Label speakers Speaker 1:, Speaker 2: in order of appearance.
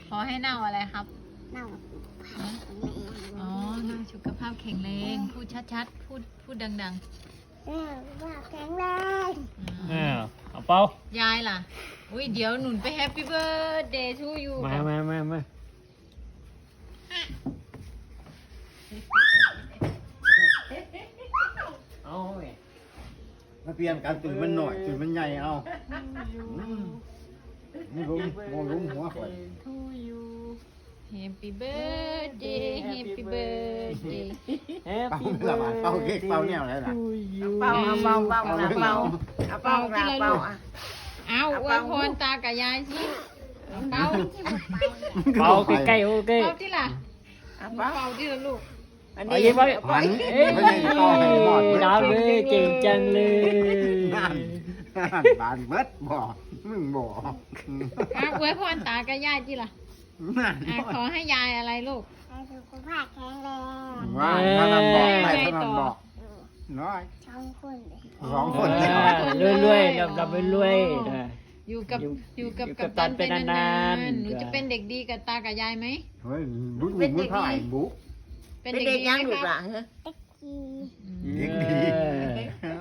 Speaker 1: ขอให้เน่าอะไรครับ
Speaker 2: เน่า
Speaker 1: อ๋อเน่าสุขภาพแข็งแรงพูดชัดๆพูดดัง
Speaker 2: ว่าแข็งแรง
Speaker 1: ๆ
Speaker 3: เอาเป้าย
Speaker 1: ายล่ะอุ้ยเดี๋ยวหนุนไปแฮปปี้เบิร์ดเดย์ทูยู
Speaker 3: มาเอาไง
Speaker 4: มาเปลี่ยนกันตื่นมันหน่อยตื่นมันใหญ่เอาไม่รู้มองลุ้มหัวข่อย
Speaker 1: ทูยูแฮปปี้เบิร์ดเดย์แฮปปี้เบิร์ดเดย์
Speaker 4: เป่าเปล่าเป่าเค้กเป่าแนวอะไรล่ะ
Speaker 5: เป่าเอาเป่าเป่า
Speaker 4: เป่า
Speaker 5: เป่าเป่าเป่าเป่าอ่ะ
Speaker 1: เอาอวยพรตากับยายสิเป่า
Speaker 3: เป้าใกล้ๆโอเค
Speaker 1: เป่าที่ล่ะ
Speaker 5: เป่า
Speaker 1: เป่าที่ละลูก
Speaker 5: อัน
Speaker 3: ไป
Speaker 5: นี้
Speaker 3: ยิ้มไว้
Speaker 4: หัน
Speaker 3: เอ้ย
Speaker 4: ไม่ใช่เป่าให้หมด
Speaker 3: ดาวเลยเก่งจังเลย
Speaker 4: นั่นบานเบิดบ่มึงบ่
Speaker 1: เอาอวยพรตากับยายที่ล่ะ
Speaker 4: นั่น
Speaker 1: ขอให้ยายอะไรลูก
Speaker 2: ให้สุขภาพแข็งแรง
Speaker 4: ว่าถ้านั่นบอกไปถ้านั่นบอกน้อย
Speaker 2: สองคนเลย
Speaker 4: สองคน
Speaker 3: รวยๆรับรวยๆนะ
Speaker 1: อยู่กับ
Speaker 3: อยู่
Speaker 1: กับ
Speaker 3: กั
Speaker 1: กับ ตัน
Speaker 3: กัปตัน
Speaker 1: เป็น
Speaker 3: ไป
Speaker 1: นาน
Speaker 3: าน
Speaker 1: น
Speaker 3: ๆ
Speaker 1: ๆหนูจะเป็นเด็กดีกับตากับยายไหม
Speaker 4: เฮ้ยบุ้งบุ้งถ่ายบุ๊ก
Speaker 1: เป็น
Speaker 5: เป็น
Speaker 1: เด็ก
Speaker 5: เด็ก
Speaker 1: ดี
Speaker 5: ยัง
Speaker 1: ไหม
Speaker 5: ลูก
Speaker 1: ค
Speaker 5: ห
Speaker 1: รั
Speaker 5: ลา
Speaker 1: บ
Speaker 5: นเหรอ
Speaker 2: เต็กกี
Speaker 4: เด็กดี